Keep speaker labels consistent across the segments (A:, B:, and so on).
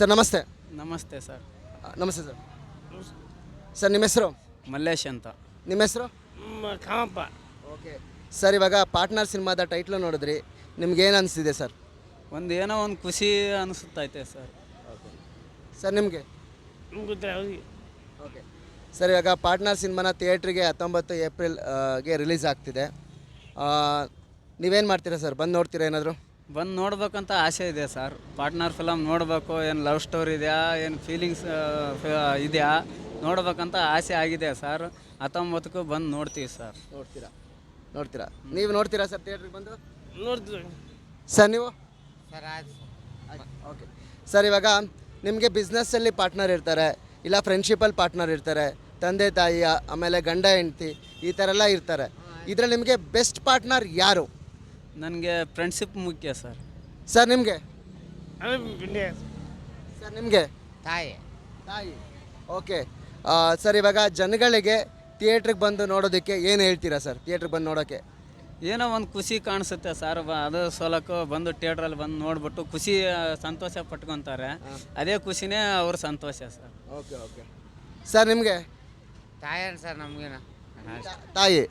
A: Sir ನಮಸ್ತೆ.
B: ನಮಸ್ತೆ sir.
A: ನಮಸ್ತೆ ಸರ್. ಸರ್ ನಿಮ್ಮ ಹೆಸರು?
B: ಮಲ್ಲೇಶ್ ಅಂತ.
A: ನಿಮ್ಮ ಹೆಸರು?
C: ಕಾಮಪ್ಪ.
A: ಓಕೆ ಸರ್, ಇವಾಗ ಪಾರ್ಟ್ನರ್ ಸಿನಿಮಾದ ಟೈಟ್ಲು ನೋಡಿದ್ರಿ, ನಿಮ್ಗೇನು ಅನಿಸ್ತಿದೆ ಸರ್?
B: ಏನೋ ಒಂದು ಖುಷಿ ಅನಿಸುತ್ತೈತೆ ಸರ್.
A: ಸರ್ ನಿಮಗೆ?
C: ಅವ್ರಿಗೆ
A: ಓಕೆ ಸರ್, ಇವಾಗ ಪಾರ್ಟ್ನರ್ ಸಿನಿಮಾನ ಥಿಯೇಟ್ರಿಗೆ 19 ಏಪ್ರಿಲ್ಗೆ ರಿಲೀಸ್ ಆಗ್ತಿದೆ. ನೀವೇನು ಮಾಡ್ತೀರಾ ಸರ್? ಬಂದು ನೋಡ್ತೀರಾ ಏನಾದರೂ?
B: ಬಂದು ನೋಡ್ಬೇಕಂತ ಆಸೆ ಇದೆ ಸರ್. ಪಾರ್ಟ್ನರ್ ಫಿಲಮ್ ನೋಡಬೇಕು. ಏನು ಲವ್ ಸ್ಟೋರಿ ಇದೆಯಾ, ಏನು ಫೀಲಿಂಗ್ಸ್ ಇದೆಯಾ ನೋಡ್ಬೇಕಂತ ಆಸೆ ಆಗಿದೆ ಸರ್. 19ಕ್ಕೂ ಬಂದು ನೋಡ್ತೀವಿ ಸರ್.
A: ನೋಡ್ತೀರಾ? ನೀವು ನೋಡ್ತೀರಾ ಸರ್ ಥಿಯೇಟ್ರಿಗೆ ಬಂದು?
C: ನೋಡ್ತೀವಿ
A: ಸರ್ ನೀವು?
C: ಸರ್ ಆಯ್ತು.
A: ಓಕೆ ಸರ್, ಇವಾಗ ನಿಮಗೆ ಬಿಸ್ನೆಸ್ಸಲ್ಲಿ ಪಾರ್ಟ್ನರ್ ಇರ್ತಾರೆ, ಇಲ್ಲ ಫ್ರೆಂಡ್ಶಿಪ್ಪಲ್ಲಿ ಪಾರ್ಟ್ನರ್ ಇರ್ತಾರೆ, ತಂದೆ ತಾಯಿ, ಆಮೇಲೆ ಗಂಡ ಹೆಂಡ್ತಿ, ಈ ಥರ ಎಲ್ಲ ಇರ್ತಾರೆ. ಇದರಲ್ಲಿ ನಿಮಗೆ ಬೆಸ್ಟ್ ಪಾರ್ಟ್ನರ್ ಯಾರು?
B: ನನಗೆ ಫ್ರೆಂಡ್ಶಿಪ್ ಮುಖ್ಯ ಸರ್.
A: ಸರ್ ನಿಮಗೆ?
C: ಪಿಂಡೆ
A: ಸರ್ ನಿಮಗೆ?
C: ತಾಯಿ.
A: ಓಕೆ ಸರ್, ಇವಾಗ ಜನಗಳಿಗೆ ಥಿಯೇಟ್ರಿಗೆ ಬಂದು ನೋಡೋದಕ್ಕೆ ಏನು ಹೇಳ್ತೀರಾ ಸರ್? ಥಿಯೇಟ್ರಿಗೆ ಬಂದು ನೋಡೋಕ್ಕೆ
B: ಏನೋ ಒಂದು ಖುಷಿ ಕಾಣಿಸುತ್ತೆ ಸರ್. ಅದು ಸೋಲಕ್ಕೂ ಬಂದು ಥಿಯೇಟ್ರಲ್ಲಿ ಬಂದು ನೋಡ್ಬಿಟ್ಟು ಖುಷಿ ಸಂತೋಷ ಪಟ್ಕೊತಾರೆ. ಅದೇ ಖುಷಿನೇ ಅವ್ರ ಸಂತೋಷ ಸರ್.
A: ಓಕೆ ಸರ್ ನಿಮಗೆ?
C: ತಾಯಿ ಸರ್ ನಮಗೇನ
A: ತಾಯಿ.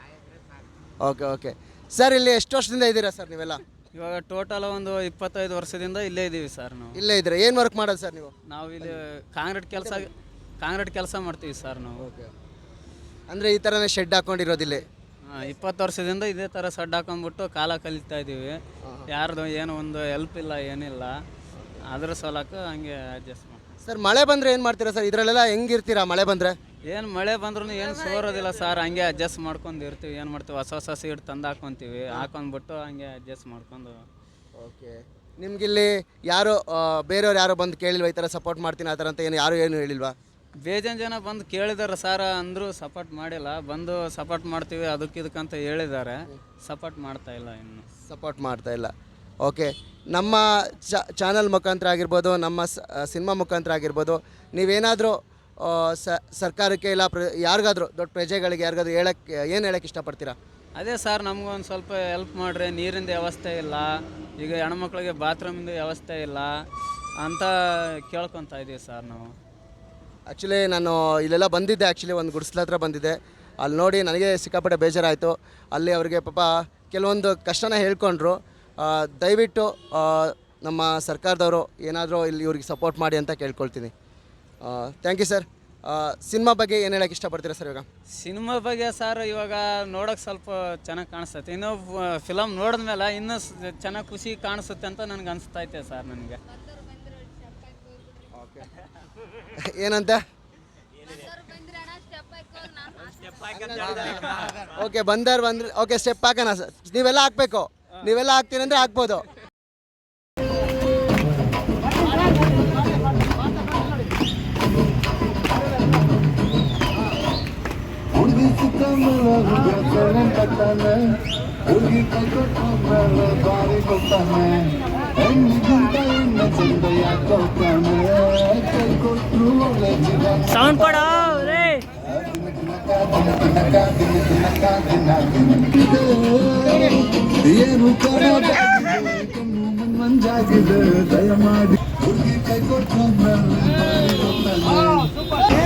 A: ಓಕೆ ಸರ್, ಇಲ್ಲಿ ಎಷ್ಟು ವರ್ಷದಿಂದ ಇದ್ದೀರಾ ಸರ್ ನೀವೆಲ್ಲ?
B: ಇವಾಗ ಟೋಟಲ್ ಒಂದು 25 ವರ್ಷದಿಂದ ಇಲ್ಲೇ ಇದ್ದೀವಿ ಸರ್. ನಾವು
A: ಇಲ್ಲೇ ಇದ್ದೀರಾ? ಏನು ವರ್ಕ್ ಮಾಡೋದು ಸರ್ ನೀವು?
B: ನಾವು ಇಲ್ಲಿ ಕಾಂಕ್ರೀಟ್ ಕೆಲಸ ಮಾಡ್ತೀವಿ ಸರ್ ನಾವು.
A: ಓಕೆ, ಅಂದರೆ ಈ ಥರನೇ ಶೆಡ್ ಹಾಕೊಂಡಿರೋದಿಲ್ಲ?
B: 20 ವರ್ಷದಿಂದ ಇದೇ ಥರ ಸಡ್ ಹಾಕೊಂಡ್ಬಿಟ್ಟು ಕಾಲ ಕಲಿತಾ ಇದ್ದೀವಿ. ಯಾರ್ದು ಏನೋ ಒಂದು ಹೆಲ್ಪ್ ಇಲ್ಲ, ಏನಿಲ್ಲ. ಅದ್ರ ಸಲಕ್ಕೆ ಹಂಗೆ ಅಡ್ಜಸ್ಟ್ ಮಾಡಿ.
A: ಸರ್ ಮಳೆ ಬಂದರೆ ಏನು ಮಾಡ್ತೀರಾ ಸರ್? ಇದರಲ್ಲೆಲ್ಲ ಹೆಂಗಿರ್ತೀರಾ ಮಳೆ ಬಂದರೆ?
B: ಏನು ಮಳೆ ಬಂದ್ರೂ ಏನು ಸೋರೋದಿಲ್ಲ ಸರ್. ಹಂಗೆ ಅಡ್ಜಸ್ಟ್ ಮಾಡ್ಕೊಂಡು ಇರ್ತೀವಿ. ಏನು ಮಾಡ್ತೀವಿ, ಹೊಸ ಸೀಟ್ ತಂದು ಹಾಕ್ಕೊತೀವಿ. ಹಾಕೊಂಡ್ಬಿಟ್ಟು ಹಂಗೆ ಅಡ್ಜಸ್ಟ್ ಮಾಡ್ಕೊಂಡು.
A: ಓಕೆ, ನಿಮ್ಗಿಲ್ಲಿ ಯಾರು ಬೇರೆಯವ್ರು ಯಾರೋ ಬಂದು ಕೇಳಿಲ್ವಾ ಈ ಥರ ಸಪೋರ್ಟ್ ಮಾಡ್ತೀನಿ ಆ ಥರ ಅಂತ? ಏನು ಹೇಳಿಲ್ವಾ?
B: ಬೇಜಾನ್ ಜನ ಬಂದು ಕೇಳಿದಾರೆ ಸರ್, ಅಂದರೂ ಸಪೋರ್ಟ್ ಮಾಡಿಲ್ಲ. ಬಂದು ಸಪೋರ್ಟ್ ಮಾಡ್ತೀವಿ ಅದಕ್ಕಿದಕ್ಕಂತ ಹೇಳಿದ್ದಾರೆ. ಸಪೋರ್ಟ್ ಮಾಡ್ತಾ ಇಲ್ಲ, ಇನ್ನು
A: ಸಪೋರ್ಟ್ ಮಾಡ್ತಾ ಇಲ್ಲ. ಓಕೆ, ನಮ್ಮ ಚಾನಲ್ ಮುಖಾಂತರ ಆಗಿರ್ಬೋದು, ನಮ್ಮ ಸಿನಿಮಾ ಮುಖಾಂತರ ಆಗಿರ್ಬೋದು, ನೀವೇನಾದರೂ ಸರ್ಕಾರಕ್ಕೆ ಇಲ್ಲ ಯಾರಿಗಾದ್ರೂ ದೊಡ್ಡ ಪ್ರಜೆಗಳಿಗೆ ಯಾರಿಗಾದ್ರೂ ಏನು ಹೇಳಕ್ಕೆ ಇಷ್ಟಪಡ್ತೀರಾ?
B: ಅದೇ ಸರ್, ನಮಗೊಂದು ಸ್ವಲ್ಪ ಹೆಲ್ಪ್ ಮಾಡಿರಿ. ನೀರಿಂದ ವ್ಯವಸ್ಥೆ ಇಲ್ಲ, ಈಗ ಹೆಣ್ಮಕ್ಳಿಗೆ ಬಾತ್ರೂಮಿಂದ ವ್ಯವಸ್ಥೆ ಇಲ್ಲ ಅಂತ ಕೇಳ್ಕೊತಾ ಇದ್ದೀವಿ ಸರ್ ನಾವು.
A: ಆ್ಯಕ್ಚುಲಿ ನಾನು ಇಲ್ಲೆಲ್ಲ ಬಂದಿದ್ದೆ, ಆ್ಯಕ್ಚುಲಿ ಒಂದು ಗುಡಿಸ್ಲ ಹತ್ರ ಬಂದಿದ್ದೆ. ಅಲ್ಲಿ ನೋಡಿ ನನಗೆ ಸಿಕ್ಕಾಪಟ್ಟೆ ಬೇಜಾರಾಯಿತು. ಅಲ್ಲಿ ಅವರಿಗೆ ಪಾಪ ಕೆಲವೊಂದು ಕಷ್ಟನ ಹೇಳ್ಕೊಂಡ್ರು. ದಯವಿಟ್ಟು ನಮ್ಮ ಸರ್ಕಾರದವರು ಏನಾದರೂ ಇಲ್ಲಿ ಇವ್ರಿಗೆ ಸಪೋರ್ಟ್ ಮಾಡಿ ಅಂತ ಕೇಳ್ಕೊಳ್ತೀನಿ. Thank you sir. ಸಿನಿಮಾ ಬಗ್ಗೆ ಏನು ಹೇಳೋಕ್ಕೆ ಇಷ್ಟಪಡ್ತೀರಾ ಸರ್? ಇವಾಗ
B: ಸಿನಿಮಾ ಬಗ್ಗೆ ಸರ್, ಇವಾಗ ನೋಡೋಕೆ ಸ್ವಲ್ಪ ಚೆನ್ನಾಗಿ ಕಾಣಿಸ್ತೈತೆ. ಇನ್ನೂ ಫಿಲಮ್ ನೋಡಿದ್ಮೇಲೆ ಇನ್ನೂ ಚೆನ್ನಾಗಿ ಖುಷಿ ಕಾಣಿಸುತ್ತೆ ಅಂತ ನನಗೆ ಅನಿಸ್ತೈತೆ ಸರ್. ನನಗೆ
A: ಏನಂತ? ಓಕೆ ಬಂದ್ರೆ ಓಕೆ ಸ್ಟೆಪ್ ಹಾಕೋಣ ಸರ್. ನೀವೆಲ್ಲ ಹಾಕ್ಬೇಕು. ನೀವೆಲ್ಲ ಹಾಕ್ತೀನಿ ಅಂದರೆ ಹಾಕ್ಬೋದು.
C: ಸೌಂಡ್ ಕೊಡೋ ರೇ.
D: ಮಂಜಾಗಿದೆ ದಯಮಾಡಿ ಹುಡುಗಿ ಕೈ ಕೊಟ್ಟು